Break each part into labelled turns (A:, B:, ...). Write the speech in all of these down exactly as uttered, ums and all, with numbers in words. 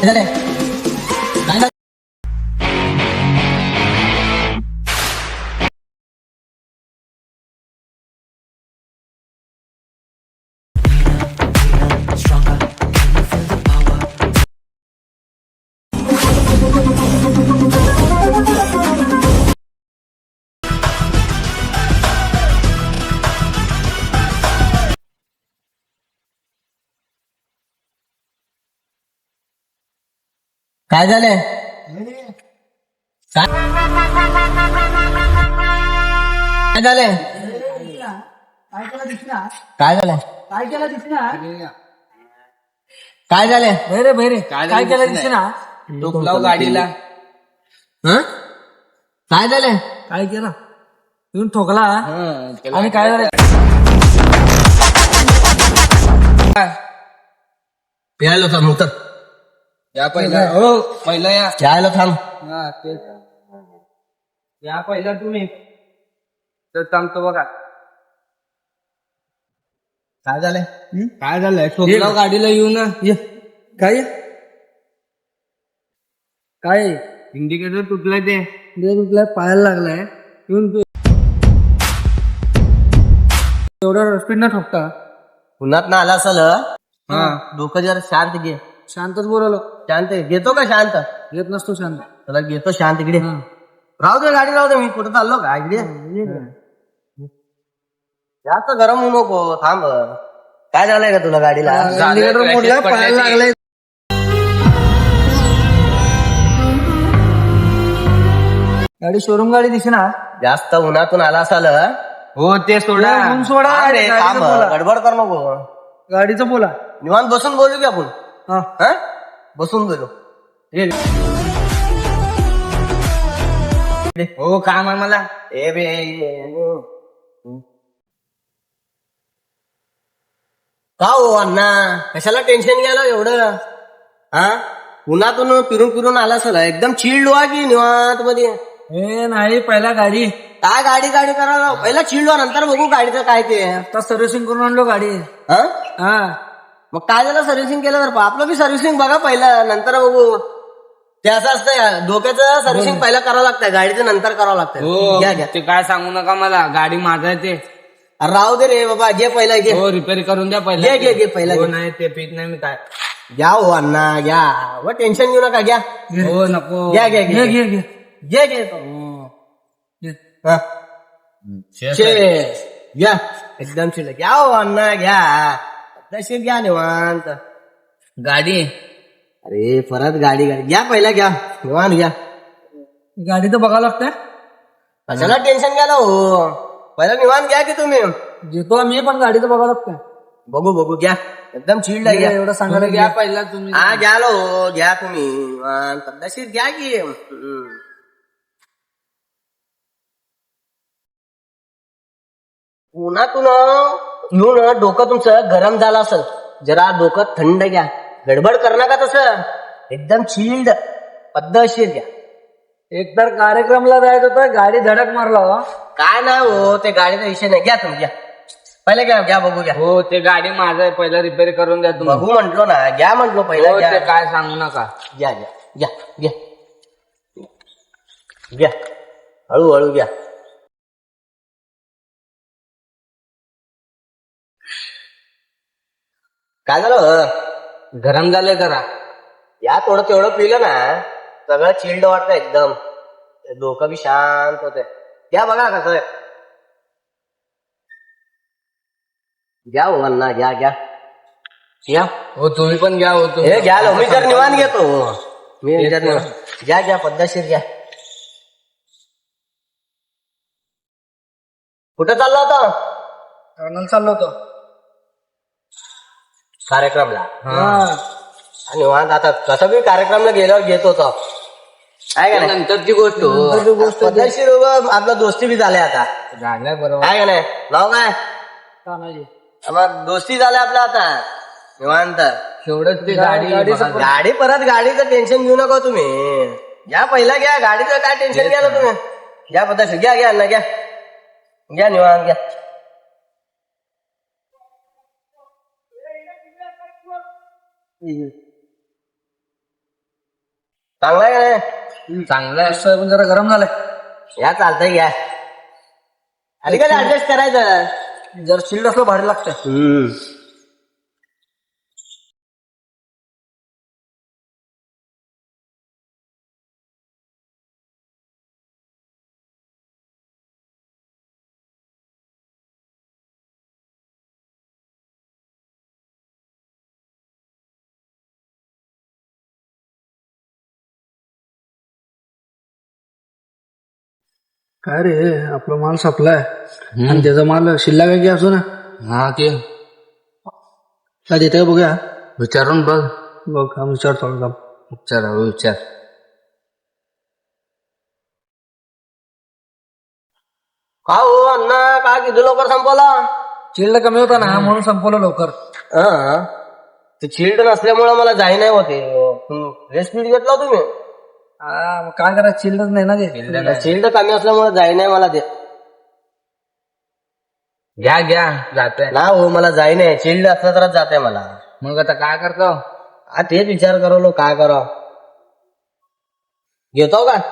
A: झालंय? काय झालं? काय झालंय? काय काय झालंय?
B: काय केला दिसणार
A: काय झालंय?
B: काय केला दिसणार
A: काय झालंय?
B: बहिरे बहिरे काय केला दिसणार
C: टोपलाव गाडीला.
A: हं? काय झालंय?
B: काय केला येऊन ठोकला
C: हं, त्याला
B: आणि काय झालं
A: प्यायला थांब उतर.
C: या पहिला हो पहिला या
A: प्यायला थांब.
C: हा तेच या पहिला तुम्ही तर थांबतो बघा.
A: काय झालंय?
C: काय झालंय? टोपलाव गाडीला येऊ ना.
B: ये काय काय
C: इंडिकेटर तुटलंय ते.
B: तुला पायाला लागलाय येऊन तू एवढा स्पीड न ठोकता
A: पुन्हात ना आला असल.
C: हा
A: डोकं जरा शांत घे.
B: शांतच बोलालो
A: शांत घे. घेतो का शांत?
B: येत नसतो शांत
A: त्याला घेतो शांत इकडे. राहू दे गाडी राहू दे. मी कुठं चाललो का इकडे? जास्त गरम होऊ नको. थांब. काय झालंय का तुला गाडीला?
B: इंडिकेटर मोडला पायाला लागलाय गाडी शोरूम गाडी दिसेना
A: जास्त उन्हातून आला असाल.
C: हो ते सोडा.
B: ऊन सोडा
A: अरे
B: गाडीचं
A: थांब.
B: बोला.
A: गडबड कर नको.
B: गाडीचं बोला
A: निवांत बसून बोलू की आपण.
B: हा
A: हा बसून बोलू.
C: हो काम आहे मला.
A: ए बे का हो अण्णा कशाला टेन्शन घ्यायला एवढं? हा उन्हातून फिरून फिरून आला असेल. एकदम चिल्ड व्हा की निवांत मध्ये.
B: हे नाही पहिला गाडी
A: काय गाडी गाडी करायला पहिला चिल्ड व्हा नंतर बघू गाडीचं काय ते.
B: आता सर्व्हिसिंग करून आणलो गाडी
A: हा
B: हा
A: मग काय झालं सर्व्हिसिंग केलं तर आपलं बी सर्व्हिसिंग बघा पहिलं नंतर बघू. ते असं असतं डोक्याचं सर्व्हिसिंग पहिला करावं लागतं गाडीचं नंतर करावं लागतं.
C: हो
A: घ्या घ्या.
C: ते काय सांगू नका मला. गाडी माझा आहे ते.
A: अरे राहू दे रे बाबा. घे पहिला घे.
C: हो रिपेअर करून द्या पहिला.
A: घे घे घे पहिला
C: हो
A: घे.
C: नाही ते पीत नाही मी काय.
A: घ्या हो अण्णा घ्या. व टेन्शन घेऊ नका. घ्या
C: हो नको.
A: घ्या घ्या
B: घे
A: घ्या
B: घे घे
A: घे घे.
B: घे.
A: हा. Cheers. घ्या एकदम शिल्लक. घ्या हो अण्णा घ्या. तशी घ्या निवांत.
C: गाडी
A: अरे परत गाडी गाडी घ्या पहिला घ्या निवांत घ्या.
B: गाडी तर बघावं लागतंय
A: कशाला टेन्शन घ्या ना हो. पहिला निवांत घ्या की तुम्ही.
B: घेतो आम्ही पण गाडी तर बघावं लागतंय
A: बघू बघू घ्या एकदम चिल्ड आहे. घ्या
B: एवढं सांगायला
C: घ्या पहिला तुम्ही.
A: हा घ्या लो घ्या तुम्ही निवांत. पद्धतशीर घ्या की. हम्म. उन्हातून येऊन डोकं तुमचं गरम झालं असेल. जरा डोकं थंड घ्या. गडबड कर नका तसं. एकदम चिल्ड पद्धतशीर घ्या.
B: एक तर कार्यक्रमला जायचं होतं गाडी धडक मारला हो.
A: काय नाही हो ते गाडीचा विषय नाही. घ्या तुम्ही घ्या पहिला घ्या घ्या बघू घ्या.
C: हो ते गाडी माझा आहे पहिला रिपेअर करून द्या तुम्ही.
A: बघू म्हंटलो ना. घ्या म्हंटलो पहिला
C: हो
A: घ्या.
C: ते काय सांगू नका.
A: घ्या घ्या घ्या घ्या घ्या हळूहळू घ्या. काय झालं?
C: गरम झालंय जरा.
A: या थोडं तेवढं पिलं ना सगळं चिल्ड वाटतं एकदम. डोकं बी शांत होते. घ्या बघा कसं आहे. घ्या हो अण्णा घ्या घ्या घ्या.
C: हो तुम्ही पण घ्या. हो तुम्ही
A: हे घ्या लो. मी जर निवांत घेतो. मी जर निवांत घ्या घ्या पद्धतशीर घ्या. कुठं चाललो होता?
B: कर्नल चाललो होतो
A: कार्यक्रमला.
B: हा.
A: निवांत आता कसं बी कार्यक्रमला गेल्यावर घेत होतो. आहे का नाही?
C: नंतरची गोष्ट हो.
A: पद्धतशीर उभं आपला दोस्ती बी झाल्या आता.
C: झालंय बरोबर.
A: आहे का नाही? नाव काय?
B: तानाजी.
A: आम्हाला दोस्ती झाल्या आपल्या आता निवांत.
C: शेवटच ती गाडी
B: गाडीचं
C: बघा.
A: गाडी परत गाडीचं टेन्शन घेऊ नका तुम्ही. घ्या पहिला घ्या गाडीचं काय टेन्शन घ्या तुम्ही. घ्या पद्धतशीर घ्या घ्या ना घ्या घ्या निवांत घ्या. चांगला आहे का नाही?
C: चांगलं आहे.
B: मस्त आहे, पण जरा गरम झालंय.
A: या चालतंय घ्या. अरे काय ऍडजस्ट करायचं.
B: जर चिल्ड असलं भारी लागतंय.
A: हम्म
B: काय रे आपला माल संपलाय आणि त्याचा माल शिल्लक आहे की असो ना.
C: हा की
B: काय देते का बघूया.
C: विचारून बघ.
B: बघ हा विचार थोडा.
C: विचार हळू विचार.
A: का हो अण्णा काय किती लवकर संपवला.
B: चिल्ड कमी होता ना म्हणून संपवलं लवकर.
A: हा ते चिल्ड नसल्यामुळे मला जाई नाही होते. रेस्ट घेतला हो तुम्ही.
B: हा मग काय करा चिल्डच नाही ना ते.
A: चिल्ड कमी असल्यामुळे जाई नाही मला ते.
C: घ्या घ्या जाते
A: ना हो मला जाई नाही. चिल्ड असलं तरच जाते मला.
C: मग आता काय करतो.
A: हा तेच विचार करवलो काय करावं. घेतो का.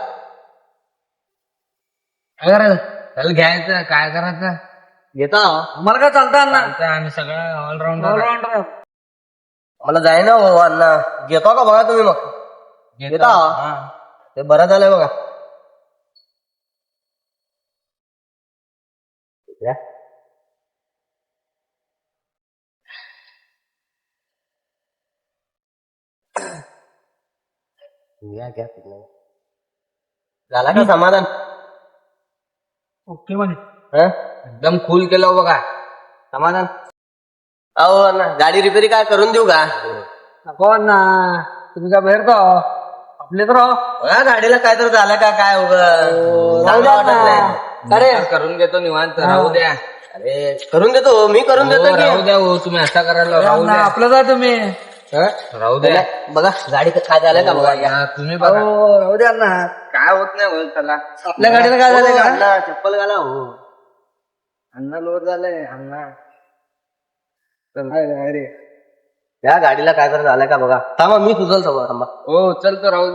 B: काय करायचं.
C: चल घ्यायचं काय करायचं.
A: घेतो
B: आम्हाला काय चालतं ना.
C: चालतं, आम्ही सगळं ऑलराऊंडर.
B: ऑलराऊंडर.
A: मला जाई ना हो अण्णा. घेतो का बघा तुम्ही मग. घेता ते बरं झालंय बघा. या. घ्या घ्या. झाला का समाधान.
B: ओके म्हणे.
A: हं?
C: एकदम फुल केलं बघा.
A: समाधान. अहो अण्णा गाडी रिपेअरी काय करून देऊ का.
B: नको ना तुम्ही काय बाहेर का आपले तर राहो.
A: बघा गाडीला काय तर झालं का काय उगं चांगलं वाटत नाही.
B: अरे
C: करून घेतो निवांत. राहू द्या.
A: अरे करून देतो मी करून देतो
C: हो,
A: की.
C: राहू द्या हो, तुम्ही असा करायला राहू द्या.
B: आपलं जा तुम्ही.
A: हं?
C: राहू द्या.
A: बघा गाडी काय झालं का बघा.
C: हा, तुम्ही बघा.
B: हो राहू द्या ना.
C: काय होत नाही होत त्याला.
B: आपल्या गाडीला काय झालं
A: हो,
B: का.
A: अण्णा चप्पल घाला हो.
C: अण्णा लोड झालंय अण्णा.
B: अरे
A: या गाडीला काय तर झालं का बघा. थांबा मी सुचलतो बघा थांबा.
C: हो चल तर राहू.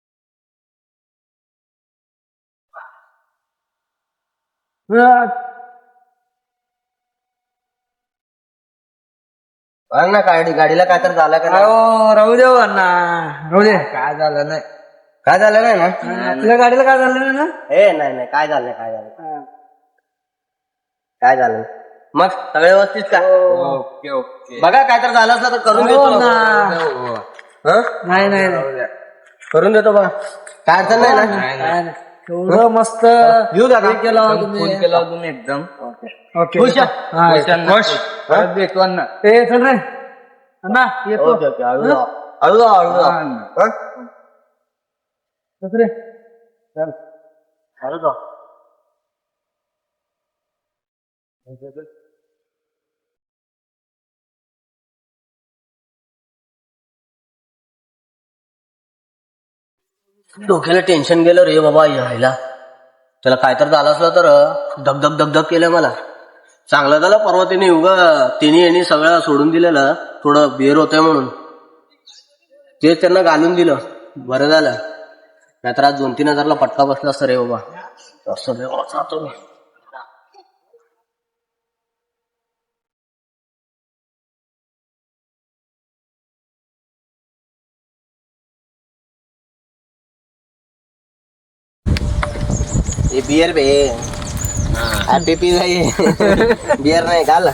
A: अण्णा गाडी गाडीला काय तर झालं का नाही.
B: हो राहू दे अण्णा राहू दे.
C: काय झालं नाही.
A: काय झालं नाही ना.
B: तुझ्या गाडीला काय झालं नाही ना.
A: ए नाही नाही काय झालं नाही काय झालं काय झालं नाही. मग सगळे व्यवस्थित का.
C: Okay okay.
A: बघा काय तर झालं असलं तर करून देतो
B: हो
A: ना.
B: ना.
A: हं?
B: नाही नाही नाही.
A: करून देतो बघा काय अडचण नाही ना.
C: नाही,
B: काय नाही. एवढं मस्त
A: येऊ दादा.
B: हे केलं
C: एकदम
B: तुम्ही.
C: फुल केलं तुम्ही एकदम.
B: ओके
A: खुश आहे?
B: हा,
C: खुश अण्णा,
A: खुश.
C: खुश. परत भेटू अण्णा.
B: ए चल रे अण्णा येतो.
A: ओके ओके हळू जा हळू जा हळू जा.
C: हा, अण्णा.
A: हं?
B: चल रे.
A: चल. हळू जा. डोक्याला टेन्शन गेलं रे बाबा यायला. त्याला काय तर झालं असलं तर धगधग धगधग केलं मला. चांगलं झालं परवा तिने उगा तिने यांनी सगळं सोडून दिलेलं थोडं बेर होतंय म्हणून ते त्यांना घालून दिलं. बरं झालं नाहीतर आज दोन तीन हजारला पटका बसला असतं रे बाबा. असं रे बाबा जातो मी. हे बियर बे हॅपी पी बियर नाही घाल.